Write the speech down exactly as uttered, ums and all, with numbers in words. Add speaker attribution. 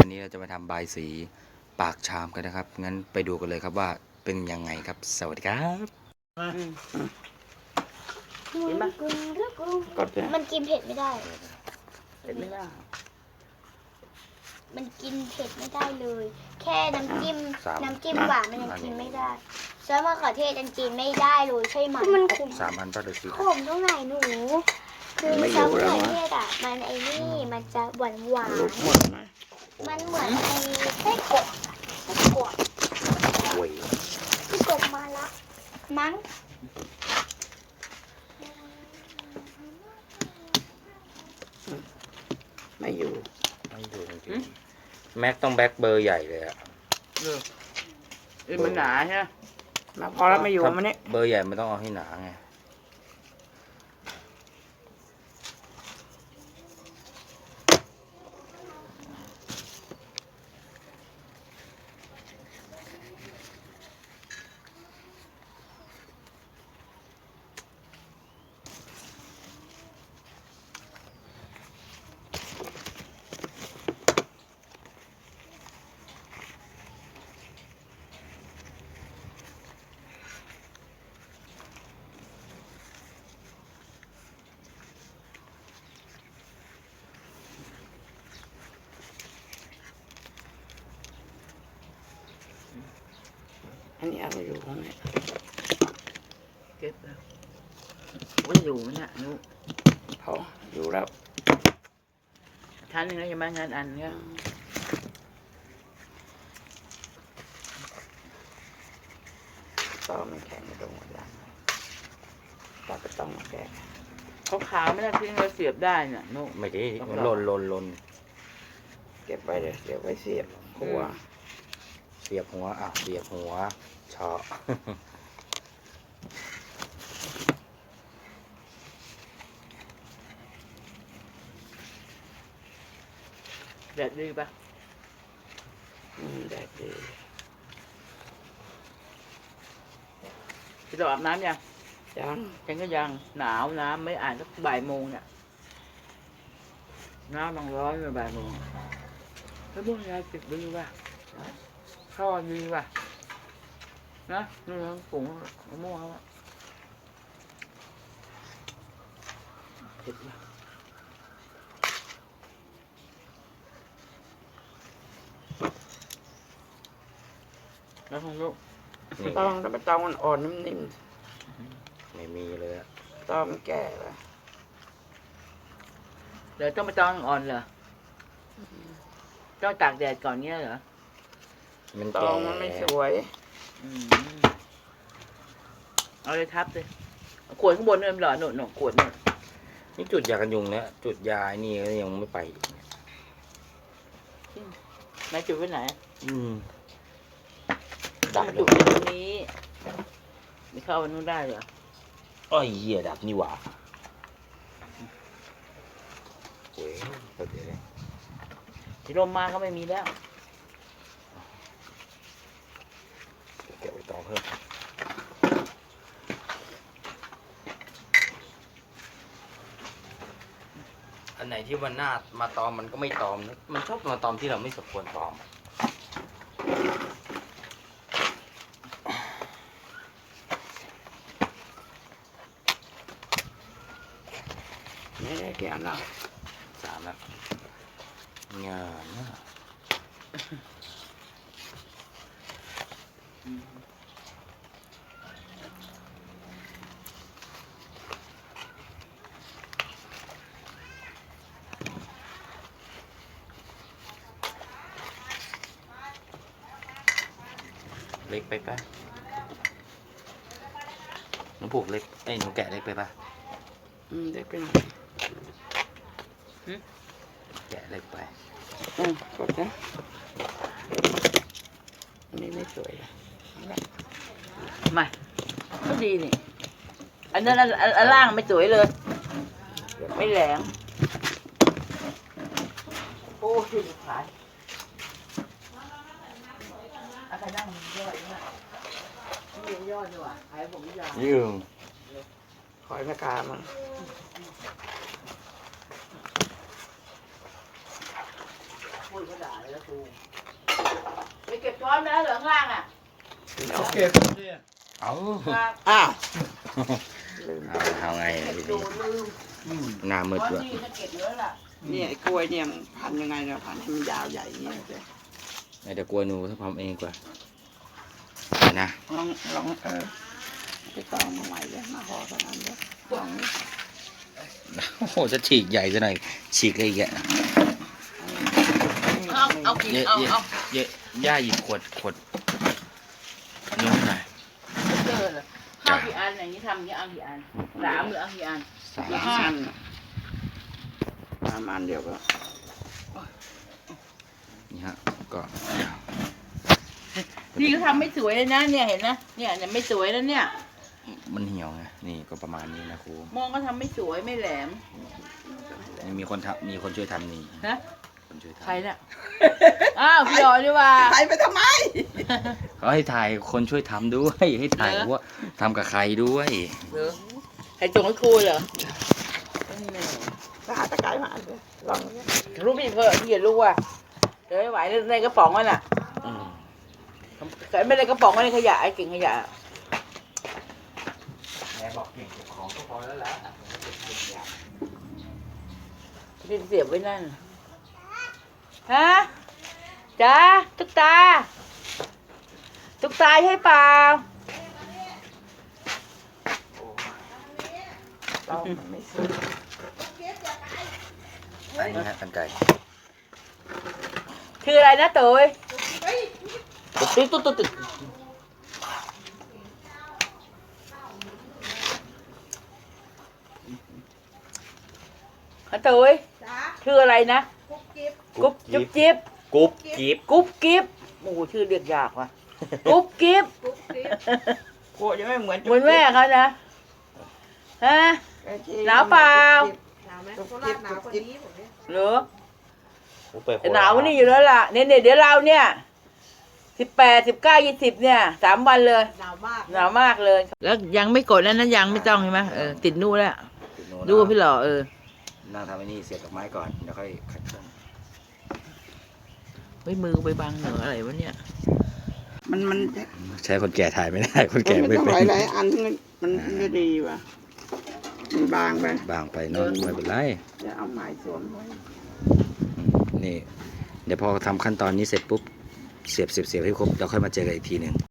Speaker 1: วันนี้เราจะมาทำบายสีปากชามกันนะครับงั้นไปดูกันเลยครับว่าเป็นยังไงครับสวัสดีครับ
Speaker 2: กินปะมันกินเผ็ดไม่ได้เผ็ดไม่ได้มันกินเผ็ดไม่ได้เลยแค่น้ำจิ้มน้ำจิ้มหวานมันยังกินไม่ได้ซอสมะเขือเทศยังกินไม่ได้เลยใช่ไหมมันขม
Speaker 1: สามอันก็ได้สิ
Speaker 2: ขมตรงไหนหนูคือซอสมะเขือเทศอ่ะมันไอ้นี่มันจะหวานหวานมันเหมือนไอ้ไส้กรอกไส้กรอก
Speaker 1: โอ้ย
Speaker 2: ไส้กรอกมาละมั้ง
Speaker 3: ไม่อยู่
Speaker 1: ไม่อยู่จริงๆแม็กต้องแบ็คเบอร์ใหญ่เลยอะ
Speaker 3: เออเออมันหนาใช่ไหมมาพอแล้วไม่อยู่มันนี่
Speaker 1: เบอร์ใหญ่มันต้องเอาให้หนาไง
Speaker 3: อันนี้เอาไปอยู่ข้างในเก็บแล้วว่าอยู่ไหมเนี่ยนุเขาอยู่แล้วชั้นหนึ่งแล้วยังไม่งานอันเนี่ยก็มันแข็งตรงหัวดังเราก็ต้องมาแก้เขาขาวไม่ได้ทิ้งเราเสียบได้เนี่ยนุ
Speaker 1: ไม่ได้มันหล่นหล่นหล่น
Speaker 3: เก็บไว้เลยเดี๋ยวไว้เสียบหัว
Speaker 1: เสียบหัวอ่ะเสียบหัวชอ
Speaker 3: แดดดีปะอืมแดดดีพี่ต้องอาบน้ำยังยังฉันก็ยังหนาวน้ำไม่อ่านสักบ่ายโมงเนี่ยน้ำมันร้อนเลยบ่ายโมงแล้วพวกยาติดดีป่ะข้าวดีป่ะนะนี่ทั้งผงมะม่วงครับเผ็ดป่ะแล้วของลูกตองถ้าไปตองมันอ่อนนิ่ม
Speaker 1: ๆไม่มีเลยอะ
Speaker 3: ตองมันแก่ป่ะเดี๋ยวต้องไปตองอ่อนเหรอต้องตากแดดก่อนเงี้ยเหรอ
Speaker 1: มัน
Speaker 3: ตองมันไม่สวยเอาเลยทับเลยขวดข้างบนนี่มันหล่อหนุนหนุนขวดนี่
Speaker 1: นี่จุดยากันยุงเนี่ยจุดยานี่ก็ยังไม่ไป
Speaker 3: ไหนจุดไว้ไหน
Speaker 1: อืม
Speaker 3: ดับจุดตรงนี้ไม่เข้าวันนู้นได้เหรอ
Speaker 1: อ้อยเหี้ยดับนี่หว่าเว้ยเดี๋ยว
Speaker 3: ที่ลมมาก็ไม่มีแล้ว
Speaker 1: เก็บไปต่อเพิ่มอันไหนที่มันน่ามาตอมมันก็ไม่ตอมนะมันชอบมาตอมที่เราไม่สมควรตอม
Speaker 3: ไม่ได้เกี่ยวหรอก
Speaker 1: สามแล้วงานนะเล็กไปป่ะหนูผูกเล็กไอ้หนูแกะเล็กไปป่ะ
Speaker 3: อืมเล็กไปหน่อย
Speaker 1: แกะเล็กไป
Speaker 3: อืมกดนะอันนี้ไม่สวยไม่ก็ดีนี่อันนั้นอันล่างไม่สวยเลยไม่แหลมโอ้ยขายอะไรนั่งย่อยเนี่ยนี่ย่อยดีกว่าขายผมยาว
Speaker 1: ยืม
Speaker 3: คอยแม่กามันพูดก็ด่าเลยไปเก็บช้อนแล้วเหลืองล่างอ่ะ
Speaker 4: เอาเก็บเนี่ย
Speaker 1: เอา
Speaker 3: อ้าว
Speaker 1: เอาเอาไง
Speaker 3: เก็บ
Speaker 1: ที
Speaker 3: ดู
Speaker 1: นี้
Speaker 3: ลืม
Speaker 1: หน้ามืด
Speaker 3: ช้อน
Speaker 1: ด้วย
Speaker 3: นี่ก็เก็บเยอะล่ะ
Speaker 5: เนี่ยไอ้กล้วยเนี่ยมันพันยังไงเนี่ยพันให้มันยาวใหญ่อย่างเงี้ยเจ๊
Speaker 1: เดี๋ยวกลัวหนูถ้าทำเองดีกว่าเอานะ
Speaker 5: ลองลองเออไปตองมาใหม่เลยมาห่อเท่านั้นเลยลอง
Speaker 1: โอ้โหจะฉีกใหญ่ซะหน่อยฉีกเลยอีกอ่ะ
Speaker 3: เอาเอากิน
Speaker 1: เยอะ
Speaker 3: เอา
Speaker 1: เยอะ
Speaker 3: เอา
Speaker 1: เยอะย่าหยิบขวดขวดนู้นหน่อย
Speaker 3: เจอเลยข้าวกี่อันอย่างนี้ทำอย่างนี้เอากี่อันสามหรือเอากี่อัน
Speaker 1: สาม
Speaker 5: ละห้าอันประมาณเดียวก็
Speaker 1: นี่ฮะก็
Speaker 3: นี่ก็ทำไม่สวยเลยนะเนี่ยเห็นนะเนี่ยเนี่ยไม่สวยแล้วเนี่ย
Speaker 1: มันเหี่ยวไงนี่ก็ประมาณนี้นะครู
Speaker 3: มองก็ทำไม่สวยไม่แหลม
Speaker 1: นี่มีคนทำมีคนช่วยทำนี่
Speaker 3: นะ
Speaker 1: คนช่วยทำ
Speaker 3: ใครน่ะอ้าวพี่อ๋อดีว่า
Speaker 5: ใครไปทำไม
Speaker 1: เขาให้ถ่ายคนช่วยทำด้วยให้ถ่าย
Speaker 3: เหรอ
Speaker 1: ว่าทำกับใครด้วย
Speaker 3: เหรอใครส่งให้ครูเหรอ
Speaker 5: ไปหาตะไคร้มาเลยลองเนี่ย
Speaker 3: รู้พี่เพื่อที่อย่ารู้ว่าเดี๋ยวไม่ไหวในกระป๋องมันอ่ะ
Speaker 1: อืม
Speaker 3: ไม่ได้กระป๋องไม่ได้ขยะไอ้กิ่งขยะ
Speaker 1: แม่บอกเก่งเก็บของก็พอแล้วละ
Speaker 3: ที่เสียบไว้นั่นฮะจ้าตุ๊กตาตุ๊กตาใช่เปล่า
Speaker 5: เรามันไม่ซื้อ
Speaker 1: อันนี้ฮะกันไก่
Speaker 3: คืออะไรนะตุ๋ยตุ๊ดตุ๊ดตุ๊ดตุ๊ดฮะตุ๋ยชื่ออะไรนะกุ๊บจุ๊บจิ๊บ
Speaker 1: กุ๊บกิ๊บ
Speaker 3: กุ๊บกิ๊บโอ้โหชื่อเรียกยากว่ะกุ๊บกิ๊บ
Speaker 5: กลัวจะไม่เหมือน
Speaker 3: เหมือนแม่เขานะฮะ หนาวเปล่า
Speaker 6: หนาวไหมโคราชหนาวกว่านี้ผมเนี่ย
Speaker 3: เหรอแต่หนาววันนี้อยู่แล้วล่ะเนี่ยเนี่ยเดี๋ยวเราเนี่ยสิบแปดสิบเก้ายี่สิบเนี่ยสามวันเลย
Speaker 6: หนาวมาก
Speaker 3: หนาวมากเลย แล้วยังไม่กดแล้วนั้นยังไม่ต้องใช่ไหมเออติดนู่นแล้วดูพี่หล่อเออ
Speaker 1: นั่งทำไอ้นี่เสียบดอกไม้ก่อนเดี๋ยวค่อยขัดเครื่อง
Speaker 3: เฮ้ยมือไปบังเหนืออะไรวะเนี่ย
Speaker 5: มันมัน
Speaker 1: ใช้คนแก่ถ่ายไม่ได้ คน
Speaker 5: มัน
Speaker 1: แก่
Speaker 5: ไม่
Speaker 1: ไม่
Speaker 5: ต้อง
Speaker 1: เป็
Speaker 5: หลายห
Speaker 1: น
Speaker 5: ลายอันที่มันมันไม่ดีว่ะมันบางไป
Speaker 1: บางไปเนอะไม่เป็นไร
Speaker 5: จะเอาไม้สวมไว้
Speaker 1: อืมนี่ เดี๋ยวพอทำขั้นตอนนี้เสร็จปุ๊บเสียบเสียบเสียบให้ครบเราค่อยมาเจอกันอีกทีหนึ่ง